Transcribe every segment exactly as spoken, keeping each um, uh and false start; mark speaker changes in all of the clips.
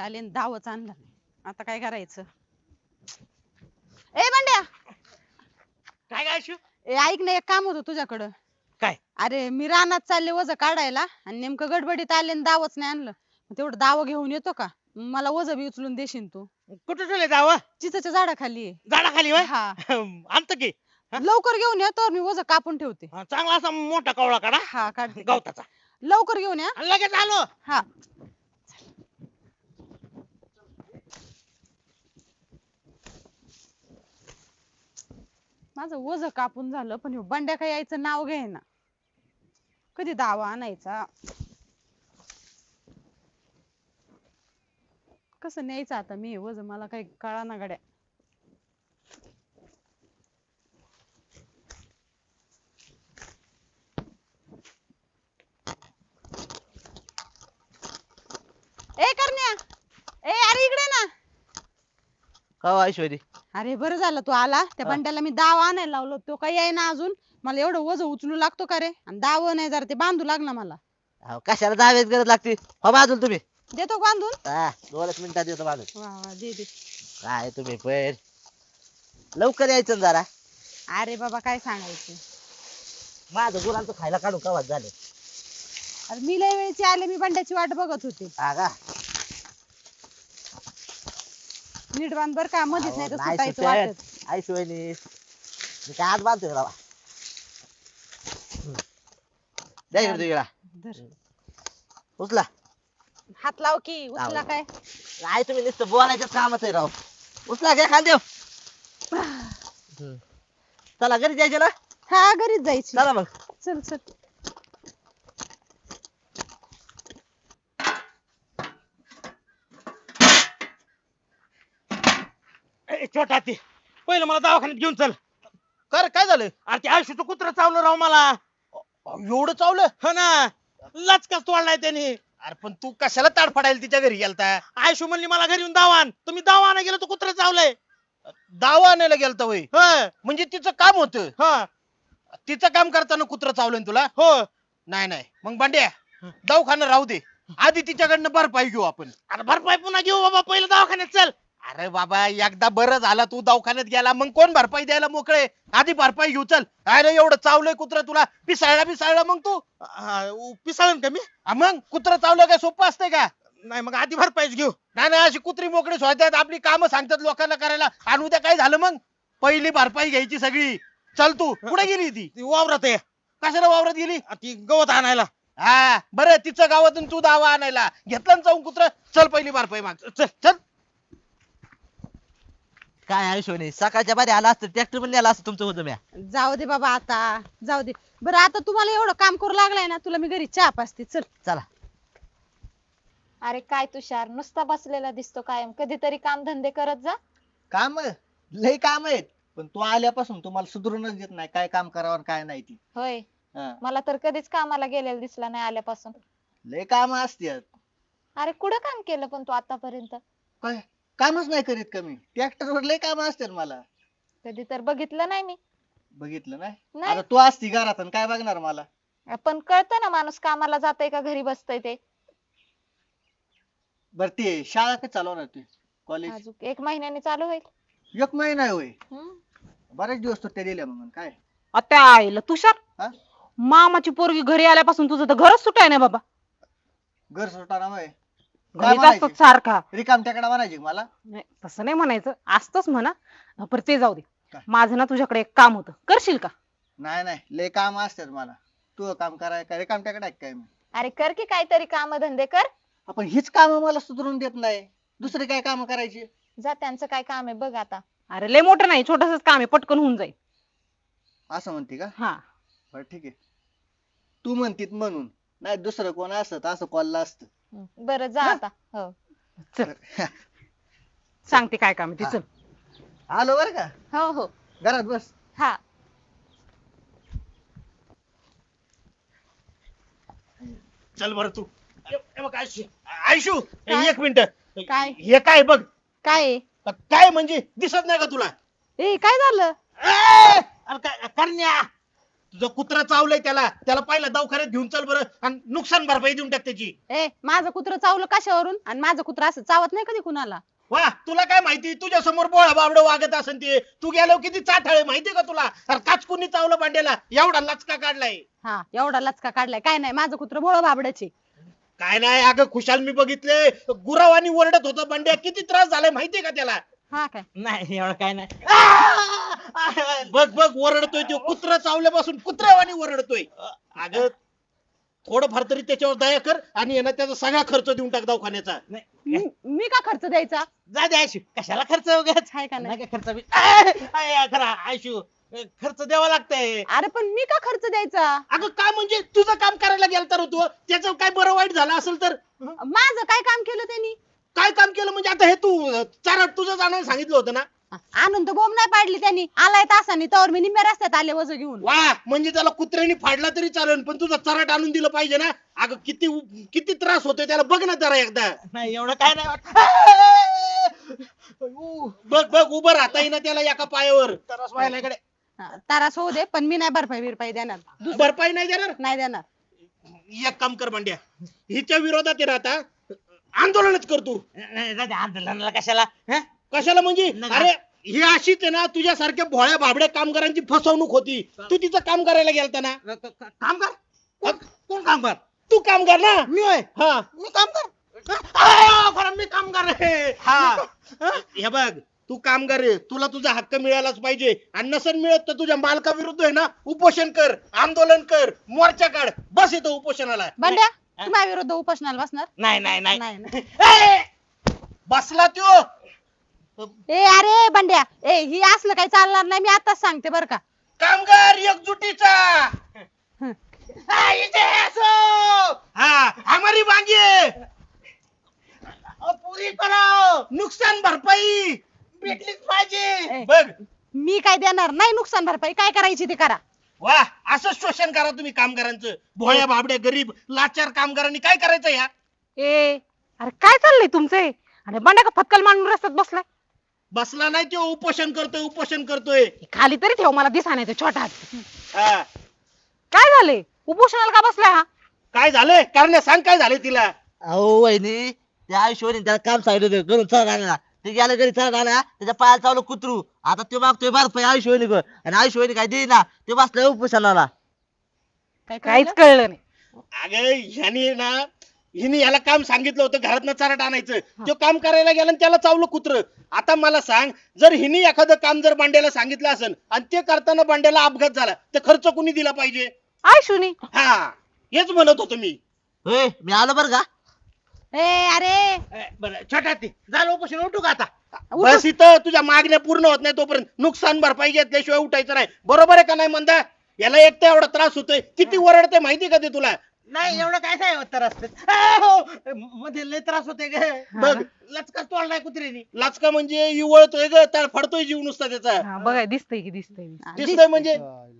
Speaker 1: आले आणि दावच आणला नाही. आता काय करायचं? ए बंड्या,
Speaker 2: काय काय शिव?
Speaker 1: ए ऐक ना, एक काम होतं तुझ्याकडं.
Speaker 2: काय?
Speaker 1: अरे मी रानात चालले वज काढायला आणि नेमकं गडबडीत आले आणि दावच नाही आणलं. तेवढं दाव घेऊन येतो का? मला वज बी उचलून देशील तू?
Speaker 2: कुठे ठेवले जावं?
Speaker 1: चिचच्या झाडाखाली आहे.
Speaker 2: झाडाखाली वय?
Speaker 1: हा
Speaker 2: आणतो की. हा?
Speaker 1: लवकर घेऊन ये, तर मी वज कापून ठेवते.
Speaker 2: हा, चांगला असा मोठा कवळा काढा.
Speaker 1: हा काढते.
Speaker 2: गवताचा.
Speaker 1: लवकर घेऊन या.
Speaker 2: आणि लगेच आलो.
Speaker 1: हा माझं वज कापून झालं, पण ह्यो बंड्या काय यायचं नाव घेईना. कधी दावा आणायचा? कसं न्यायचं आता मी हे वज? मला काही कळाना गड्या. ए करण्या, ए अरे इकडे ना.
Speaker 3: का ऐश्वरी?
Speaker 1: अरे बरं झालं तू आला. त्या बंड्याला मी दावा आणायला लावलो, तो काही येईना अजून. मला एवढं वज उचलू लागतो का रे? आणि दाव नाही, जरा ते बांधू लाग ना मला.
Speaker 3: अहो, कशाला दाव्यात गरज लागते? हो बाजूला तुम्ही.
Speaker 1: देतो का बांधून?
Speaker 3: हा, दोनच मिनिटात येतो बाजूला.
Speaker 1: वा वा, दे दे.
Speaker 3: काय तुम्ही पण लवकर यायचं ना जरा.
Speaker 1: अरे बाबा काय सांगायचं.
Speaker 3: माझं गुरांचं खायला काढून कवाच झाले.
Speaker 1: अरे मी लय वेळची आले, मी बंड्याची वाट बघत होते.
Speaker 3: हा का?
Speaker 1: नीट बांध बर का, मध्येच नाही तर
Speaker 3: अहो, नाही
Speaker 1: सुटायचं
Speaker 3: सुटत.
Speaker 1: वाटत.
Speaker 3: ऐश्वरी मी काय आज बांधतोय बाबा. द्या इकडे तू इकडा.
Speaker 1: धर.
Speaker 3: उचला.
Speaker 1: हात लाव की. उचला
Speaker 3: लाव.
Speaker 1: काय?
Speaker 3: काय तुम्ही नुसतं बोलायचं कामच आहे राव. उचला घ्या खांदेव. चला घरी जायचं ना.
Speaker 1: हा घरीच जायची.
Speaker 3: चला मग.
Speaker 1: चल चल.
Speaker 2: ए, छोटा ती पहिलं मला दवाखान्यात घेऊन चल.
Speaker 4: कर काय झालं?
Speaker 2: अरे ते आयुष्याचं कुत्र चावलं राव मला.
Speaker 4: एवढं चावलं?
Speaker 2: हो ना, लचकाच तोडलाय त्याने.
Speaker 4: अरे पण तू कशाला ताडफडायला तिच्या घरी गेलता?
Speaker 2: आयुष्य म्हणली मला घरी येऊन दावा आण. तुम्ही दावा आणायला गेलो तर कुत्र चावलंय.
Speaker 4: दावा आणायला गेलता वय?
Speaker 2: हो
Speaker 4: म्हणजे तिचं काम होतं.
Speaker 2: हो
Speaker 4: तिचं काम करताना कुत्र चावलं ना तुला?
Speaker 2: हो.
Speaker 4: नाही नाही, मग भांड्या दवाखाना राहू दे. आधी तिच्याकडनं भरपाई घेऊ आपण.
Speaker 2: अरे भरपाई पुन्हा घेऊ बाबा, पहिलं दवाखान्यात चल.
Speaker 4: अरे बाबा, एकदा बरं झाला तू दवाखान्यात गेला, मग कोण भरपाई द्यायला मोकळे? आधी भरपाई घेऊ चल. अरे एवढं चावलंय कुत्र तुला, पिसाळला पिसाळला मग तू.
Speaker 2: पिसाळन का मी?
Speaker 4: हा, मग कुत्र चावलं काय सोपं असतंय का?
Speaker 2: नाही मग आधी भरपाईच घेऊ.
Speaker 4: नाही नाही, अशी कुत्री मोकळी सोडतात, आपली कामं सांगतात लोकांना करायला, आणि उद्या काय झालं मग? पहिली भरपाई घ्यायची सगळी. चल तू कुठे गेली ती?
Speaker 2: ती वावरात आहे.
Speaker 4: कशाला वावरात गेली?
Speaker 2: आ, ती गवत आणायला.
Speaker 4: हा बरं, तिचं गावातून तू दावा आणायला घेतलं ना जाऊन कुत्र. चल पहिली भरपाई माग. चल चल.
Speaker 3: काय ऐश्वरी, सकाळच्या बारी आला असतं ट्रॅक्टर पण नेला असतं तुमचं होतं म्या.
Speaker 1: जाऊ दे बाबा, आता जाऊ दे. बरं आता तुम्हाला एवढं काम करू लागलाय ना, तुला मी घरी चहा पाजते. चल.
Speaker 3: चला.
Speaker 5: अरे काय तुषार, नुसता बसलेला दिसतो कायम. कधीतरी काम धंदे करत जा.
Speaker 6: काम लय काम आहेत, पण तू आल्यापासून तुम्हाला सुधरूनच देत नाही काय काम करावं आणि काय नाही ती.
Speaker 5: होय,
Speaker 6: हा.
Speaker 5: मला तर कधीच कामाला गेलेला दिसला नाही आल्यापासून.
Speaker 6: लय काम असतात.
Speaker 5: अरे कुठं काम केलं पण तू आतापर्यंत?
Speaker 6: काय कामच नाही करीत कमी. ट्रॅक्टरवर लय काम असतात मला.
Speaker 5: कधी तर बघितलं नाही मी.
Speaker 6: बघितलं नाही?
Speaker 5: नाही.
Speaker 6: आता तू असती घरात आणि काय बघणार मला?
Speaker 5: पण कळतं ना माणूस कामाला जातंय का घरी बसतय ते.
Speaker 6: बर ते शाळा कधी चालवणार तू? कॉलेज
Speaker 5: अजून एक महिन्याने चालू होईल.
Speaker 6: एक महिना होय.
Speaker 5: हम्म.
Speaker 6: बरेच दिवस सुट्ट्या दिल्या मग काय.
Speaker 7: आता आईला तुषार,
Speaker 6: हा?
Speaker 7: मामाची पोरगी घरी आल्यापासून तुझं तर घरच सुटाय नाही बाबा.
Speaker 6: घर सुटाना होय. काय
Speaker 7: घरीच
Speaker 6: म्हणायचे?
Speaker 7: असतो सारखा.
Speaker 6: रिकाम त्याकडे म्हणायचे का मला?
Speaker 7: नाही तसं नाही म्हणायचं, असतच म्हणा. पर ते जाऊ दे.
Speaker 6: काय?
Speaker 7: माझं ना तुझ्याकडे एक काम होतं, करशील का?
Speaker 6: नाही नाही, लय काम असतात मला. तू काम कराय काय रिकाम त्याकडे काय मी?
Speaker 5: अरे कर की काहीतरी काम धंदे कर.
Speaker 6: आपण हीच काम मला सुधरून देत नाही, दुसरी काय काम करायची?
Speaker 5: जा, त्यांचं काय काम आहे बघ आता.
Speaker 7: अरे लय मोठं नाही, छोटसच काम आहे, पटकन होऊन जाईल.
Speaker 6: असं म्हणते का?
Speaker 7: हा.
Speaker 6: बरं ठीक आहे, तू म्हणतीत म्हणून. नाही दुसरं कोण असत असं कॉलला असत.
Speaker 5: हम्म. बरं जा आता. हो.
Speaker 7: चल सांगते काय काम आहे ते.
Speaker 6: हा.
Speaker 7: चल.
Speaker 6: आलो बर का,
Speaker 5: हो हो.
Speaker 6: घरात बस.
Speaker 5: हा.
Speaker 2: चल बरं तू. ए, ए बघ आयुष्य, आयुष्य
Speaker 1: काय?
Speaker 2: एक मिनिट.
Speaker 1: काय?
Speaker 2: हे काय बघ.
Speaker 1: काय आहे?
Speaker 2: काय म्हणजे दिसत नाही का तुला?
Speaker 1: ए काय झालं?
Speaker 2: ए, अरे काय करण्या,
Speaker 4: तुझं कुत्रा चावलंय त्याला त्याला पहिला दवाखान्यात घेऊन चल बरं आणि नुकसान भरपाई देऊन टाक त्याची.
Speaker 1: ए माझं कुत्र चावलं कशावरून आणि माझं कुत्र असं चावत नाही कधी कुणाला.
Speaker 4: वा तुला काय माहिती तुझ्या समोर बोळा बाबड वागत असन ते तू गेलो किती चाठाळे माहितीये का तुला. अरे काचकुनी चावलं भांड्याला एवढा लचका काढलाय.
Speaker 1: हा एवढा लचका काढलाय काय नाही माझं कुत्र भोळ बाबडाचे.
Speaker 4: काय नाही अगं खुशाल मी बघितले गुरावानी ओरडत होता बंड्या किती त्रास झालाय माहितीये का त्याला.
Speaker 1: हा काय
Speaker 6: नाही एवढं काय नाही.
Speaker 4: बघ बघ ओरडतोय तो कुत्रा चावल्यापासून कुत्र्यावानी ओरडतोय. अगं थोडं फार तरी त्याच्यावर दया कर आणि यांना त्याचा सगळा खर्च देऊन टाक दवाखान्याचा.
Speaker 1: मी मी का खर्च द्यायचा.
Speaker 6: जा दे आयशू कशाला खर्च वगैरे
Speaker 1: हाय का नाही.
Speaker 6: नाही का खर्च बी- आय, आय, खरा आयशू खर्च द्यावा लागतंय.
Speaker 1: अरे पण मी का खर्च द्यायचा.
Speaker 4: अगं काय म्हणजे तुझं काम करायला गेलं तर तू त्याचं काय बरं वाईट झालं असेल तर.
Speaker 1: माझं काय काम केलं त्यांनी.
Speaker 4: काय काम केलं म्हणजे आता हे तू चार तुझं जाणं सांगितलं होतं ना.
Speaker 1: आणून तर बोंब नाही पाडली त्यांनी. आलाय तासानी तवर मी निम्म्या रस्त्यात आले वज घेऊन.
Speaker 4: वा म्हणजे त्याला कुत्र्याने फाडला तरी चालेल पण तुझं चराट आणून दिलं पाहिजे ना. अगं किती किती त्रास होतोय त्याला बघ ना जरा एकदा.
Speaker 6: नाही एवढं काय नाही वाटत.
Speaker 4: बघ बघ उभं राहता येईना त्याला एका पायावर.
Speaker 6: तरच व्हायला इकडे.
Speaker 1: हा, तारास होऊ दे पण मी नाही भरपाई बिरपाई देणार. दुसरं
Speaker 4: भरपाई नाही देणार.
Speaker 1: नाही देणार.
Speaker 4: एक काम कर बंड्या हिच्या विरोधात आहे ना आता आंदोलनच कर तू.
Speaker 6: नाही जा दे आंदोलनाला कशाला हं?
Speaker 4: कशाला म्हणजे
Speaker 6: नाही.
Speaker 4: अरे ही अशीच आहे ना तुझ्यासारख्या भोळ्या भाबड्या कामगारांची फसवणूक होती. तू तिचं काम करायला गेलता ना.
Speaker 6: काम कर कोण काम कर
Speaker 4: तू कामगार ना.
Speaker 6: मी होय
Speaker 4: हा
Speaker 6: मी काम कर आ, खरं मी कामगार आहे.
Speaker 4: हा हे बघ तू कामगार आहे तुला तुझा हक्क मिळालाच पाहिजे आणि नसन मिळत तर तुझ्या मालकाविरुद्ध आहे ना उपोषण कर आंदोलन कर मोर्चा काढ बस येतो उपोषणाला.
Speaker 1: बंड्या तू माझ्या विरुद्ध उपोषणाला बसणार.
Speaker 6: नाही नाही नाही
Speaker 1: नाही ना.
Speaker 4: ए! बसला त्यो.
Speaker 1: ए अरे बंड्या ए ही असलं काही चालणार नाही. मी आताच सांगते बर का.
Speaker 4: कामगार एकजुटीचा
Speaker 6: आ, इथे असो.
Speaker 4: हा हमारी मांगे
Speaker 6: अ, पुरी करो
Speaker 4: नुकसान भरपाई
Speaker 6: भेटलीच पाहिजे.
Speaker 1: ए,
Speaker 4: बघ.
Speaker 1: मी काय देणार नाही नुकसान भरपाई. काय करायची ते करा.
Speaker 4: वा असं शोषण करा तुम्ही कामगारांचं. भोळ्या भाबड्या गरीब लाचार कामगारांनी काय करायचं या.
Speaker 7: ए अरे काय चाललंय तुमचे आणि बंड्या का फटकल मांडून रस्त्यात बसलाय.
Speaker 4: बसला नाही तो उपोषण करतोय उपोषण करतोय.
Speaker 7: खाली तरी ठेव मला दिसा नाही छोटा हात.
Speaker 4: हा.
Speaker 7: काय झाले उपोषणाला का बसलाय हा.
Speaker 4: काय झालंय कारण सांग काय झालंय तिला.
Speaker 3: अहो वहिनी त्या आयुष्यवाणी त्याला काम सांगितलं होतं करून चला राहिला ते गेल्या घरी चला राहिला त्याच्या पायाला चावलं कुत्रू. आता तो मागतोय भरपाई आयुष्यवाणी कर आणि आयुष्यवाणी काय देईना ते बसलाय उपोषणाला.
Speaker 1: काय
Speaker 7: काहीच
Speaker 1: कळलं?
Speaker 7: कळलं नाही.
Speaker 4: अगं ह्यानी ना हिने याला काम सांगितलं होतं घरातनं चराट आणायचं. तो काम करायला गेला आणि त्याला चावलं कुत्र. आता मला सांग जर हिने एखादं काम जर बांड्याला सांगितलं असेल आणि ते करताना बांड्याला अपघात झाला तर खर्च कुणी दिला पाहिजे.
Speaker 7: आयशुनी
Speaker 4: हा हेच म्हणत होतो मी.
Speaker 3: होय मी आलो बरं का.
Speaker 1: ए अरे
Speaker 6: ए, बरं छोटा ती झालं उपोषण उठू का आता.
Speaker 4: बस इथं तुझ्या मागण्या पूर्ण होत नाही तोपर्यंत नुकसान भरपाई घेतल्याशिवाय उठायचं नाही. बरोबर आहे का नाही मंदा. याला एक तर एवढा त्रास होतोय किती ओरडते माहिती का ते तुला.
Speaker 6: नाही एवढं काय काय होत त्रास आ, हो मध्ये लय त्रास होते ग.
Speaker 4: बघ
Speaker 6: लचकाच तोडलाय कुत्र्यानी.
Speaker 4: लाचका म्हणजे इवळतोय ग तर फडतोय जीव नुसता त्याचा.
Speaker 7: हा बघा दिसतंय की दिसतंय.
Speaker 1: हा,
Speaker 4: दिसतोय म्हणजे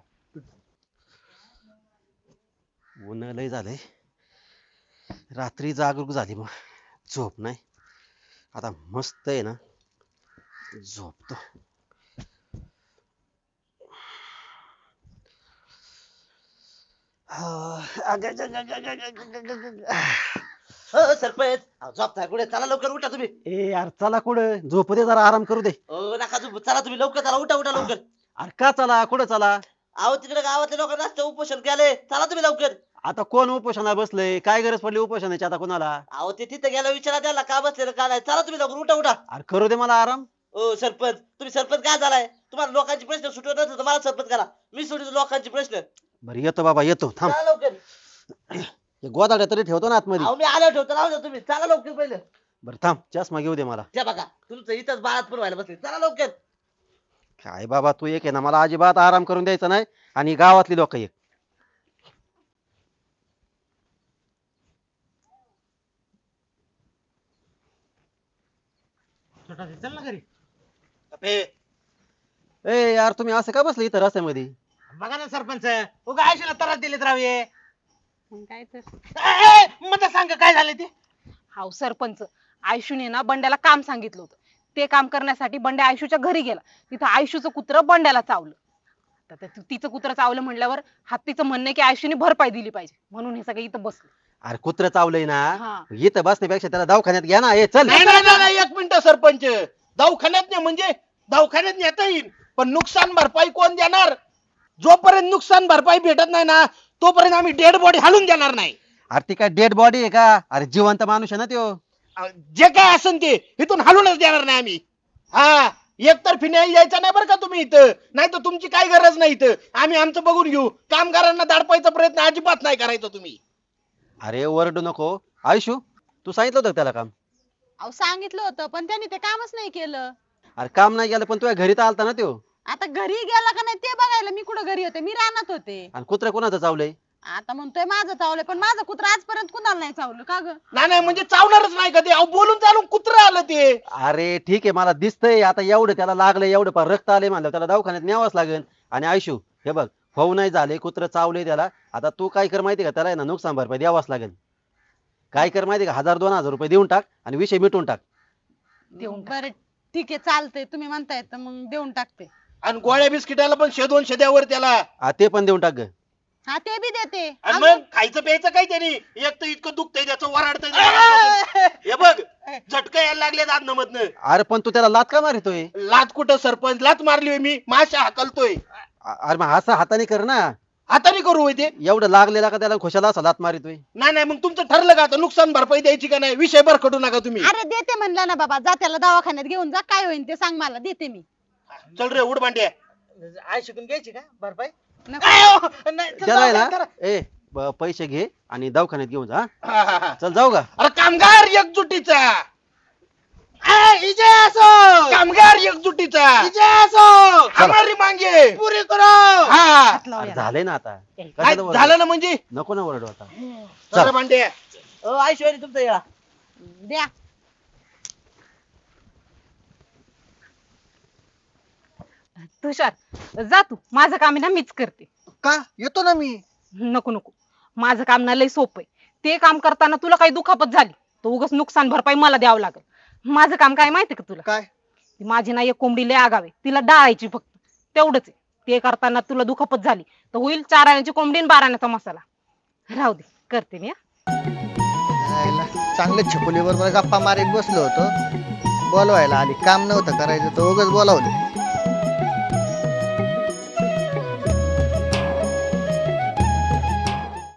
Speaker 8: ऊन लय झालंय रात्री जागरूक झाली मग झोप नाही आता मस्त आहे ना झोपतो.
Speaker 3: हो सरपंच अहो, झोपताय कुठे चला लवकर उठा तुम्ही.
Speaker 8: ए यार चला कुठं झोपू दे जरा आराम करू दे.
Speaker 3: ओ नका झोपू चला तुम्ही लवकर चला उठा उठा लवकर.
Speaker 8: अरे का चला कुठं चला.
Speaker 3: अहो तिकडे गावातले लोक रस्ते उपोषण केले चला तुम्ही लवकर.
Speaker 8: आता कोण उपोषणाला बसलंय काय गरज पडली उपोषणाची आता कोणाला.
Speaker 3: अहो ते तिथे गेला विचारा त्याला का बसलेलं का नाही चला तुम्ही लवकर उठा उठा.
Speaker 8: अरे करू दे मला आराम.
Speaker 3: ओ सरपंच तुम्ही सरपंच काय झालाय तुम्हाला लोकांचे प्रश्न सुटवत नसलं तर मला सरपंच करा मी सोडतो लोकांचे प्रश्न.
Speaker 8: बरं येतो बाबा येतो थांब.
Speaker 3: चला लवकर.
Speaker 8: हे गोदाड्या तरी ठेवतो ना आतमध्ये.
Speaker 3: अहो मी आलो ठेवतो राहू द्या तुम्ही चला लवकर पहिलं.
Speaker 8: बरं थांब चष्मा घेऊ दे मला.
Speaker 3: त्या बघा तुमचं इथंच बाळात पण व्हायला बसले चला लवकर.
Speaker 8: काय बाबा तू एक आहे ना मला अजिबात आराम करून द्यायचा नाही आणि गावातली लोक एक.
Speaker 6: छोटा ती चल ना घरी.
Speaker 4: ए,
Speaker 8: ए यार तुम्ही असं का बसले इथं रस्त्यामध्ये.
Speaker 6: बघा ना सरपंच उगा आयुष्याला त्रास दिलेत राहूये.
Speaker 1: मग काय तर.
Speaker 6: मला सांग काय झालं ते.
Speaker 7: हाव सरपंच आयशूने ना बंड्याला काम सांगितलं होतं. ते काम करण्यासाठी बंड्या आयशूच्या घरी गेला. तिथं आयशूचं कुत्र बंड्याला चावलं. तर ते तू- तिचं कुत्र चावलं म्हणल्यावर हत्तीचं म्हणणं आहे की आयुष्याने भरपाई दिली पाहिजे म्हणून हे सगळे इथं बसले.
Speaker 8: अरे कुत्र चावलंय ना
Speaker 7: हा.
Speaker 8: इथं बसण्यापेक्षा त्याला दवाखान्यात घ्या ना. ए चल.
Speaker 4: नाही नाही नाही, नाही एक मिनिट सरपंच, दवाखान्यात नाही म्हणजे दवाखान्यात नेता येईल पण नुकसान भरपाई कोण देणार? जोपर्यंत नुकसान भरपाई भेटत नाही ना तोपर्यंत आम्ही डेड बॉडी हालून देणार नाही.
Speaker 8: अरे ती काय डेड बॉडी आहे का? अरे जिवंत माणूस आहे ना त्यो.
Speaker 4: अ, जे काय असेल ते इथून हालूनच देणार नाही आम्ही. हा एकतर्फी न्याय द्यायचा नाही बरं का तुम्ही इथं, नाही तर तुमची काय गरज नाही इथं, आम्ही आमचं बघून घेऊ. कामगारांना दाडपायचा प्रयत्न अजिबात नाही करायचा तुम्ही.
Speaker 8: अरे ओरडू नको. आयुषू तू सांगितलं होतं का त्याला काम?
Speaker 1: अहो सांगितलं होतं पण त्यांनी ते कामच नाही केलं.
Speaker 8: अरे काम नाही केलं पण तुझ्या घरी तर आलता ना त्यो.
Speaker 1: आता घरी गेला का नाही ते बघायला मी कुठं घरी होते, मी रानात होते.
Speaker 8: आणि कुत्र कोणाचं चावलंय?
Speaker 1: आता म्हणतोय माझं चावलंय पण माझं कुत्र आजपर्यंत कुणाला नाही चावलं का ग?
Speaker 4: नाही नाही म्हणजे चावणारच नाही कधी. अहो बोलून चालून कुत्र आलं ते.
Speaker 8: अरे ठीक आहे मला दिसतंय आता एवढं त्याला लागलंय एवढं पार रक्त आले म्हणलं त्याला दवाखान्यात न्यावंच लागेल. आणि आयुषू हे बघ भाऊ नाही झाले कुत्र चावले त्याला. आता तू काय कर माहिती का त्याला आहे ना नुकसान भरपाई द्यावाच लागेल. काय कर माहिती का हजार दोन हजार रुपये देऊन टाक आणि विषय मिटून टाक.
Speaker 7: देऊन टाक.
Speaker 1: बरं ठीक आहे चालतंय, तुम्ही म्हणताय तर मग देऊन टाकते.
Speaker 4: आणि गोळ्या बिस्किटाला पण शे दोनशे द्यावर त्याला.
Speaker 8: हा, ते पण देऊन टाक ग.
Speaker 1: हा ते बी देते.
Speaker 4: आणि
Speaker 1: अजून-
Speaker 4: मग खायचं प्यायचं काय त्यांनी, एक तर इतकं दुखतंय त्याचं वराडतंय. हे बघ झटका यायला लागले अन्न मधनं.
Speaker 8: अरे पण तू त्याला लात का मारतोय?
Speaker 4: लात कुठं सरपंच, लात मारली होय मी, माशा हाकलतोय.
Speaker 8: अरे मग असं हाताने कर ना.
Speaker 4: हाताने करू होय ते.
Speaker 8: एवढं लागलेला का त्याला खुशाला असा लात मारितोय?
Speaker 4: नाही नाही मग तुमचं ठरलं का आता नुकसान भरपाई द्यायची का नाही? विषय भरकटू नका तुम्ही.
Speaker 1: अरे देते म्हणलं ना बाबा, जा त्याला दवाखान्यात घेऊन जा, काय होईल ते सांग मला, देते मी.
Speaker 4: चल रे उड भांड्या.
Speaker 6: आई शिकून घ्यायची का भरपाई?
Speaker 1: नको.
Speaker 6: नाही, चल
Speaker 8: त्याला आहे
Speaker 6: जाऊ दे,
Speaker 8: ना ए ब- पैसे घे आणि दवाखान्यात घेऊन जा. हा?
Speaker 4: हा, हा, हा.
Speaker 8: चल जाऊ का?
Speaker 4: अरे कामगार एकजुटीचा,
Speaker 6: ए, इजे असो
Speaker 4: कामगार एकजुटीचा,
Speaker 6: इजे असो
Speaker 4: हमारी मांगे
Speaker 6: पुरी करो.
Speaker 4: हा.
Speaker 7: हात लाव
Speaker 8: अरे
Speaker 7: याला.
Speaker 8: झालंय ना आता.
Speaker 4: काय
Speaker 8: कशाला ओरडू?
Speaker 4: झालं ना म्हणजे?
Speaker 8: नको ना ओरडू आता.
Speaker 4: चल भांड्या.
Speaker 3: ओ आई शिवानी तुमचं या.
Speaker 1: द्या.
Speaker 7: तुषार जा तू, माझं काम आहे ना मीच करते.
Speaker 6: का येतो ना मी.
Speaker 7: नको नको, माझं काम ना लय सोपं आहे. ते काम करताना तुला काही दुखापत झाली तर उगाच नुकसान भरपाई मला द्यावं लागेल. माझं काम काय माहितीये का तुला?
Speaker 6: काय?
Speaker 7: ती माझी ना एक कोंबडी लय आगावे, तिला डाळायची फक्त तेवढंच आहे. ते करताना तुला दुखापत झाली तर होईल चार आण्याची कोंबडी आणि बारा आण्याचा मसाला. राहू दे, करते मी हा.
Speaker 6: आईला, चांगलं छकुली बरोबर गप्पा मारीत बसलो होतो, बोलवायला आली, काम नव्हतं करायचं तर उगाच बोलावलं.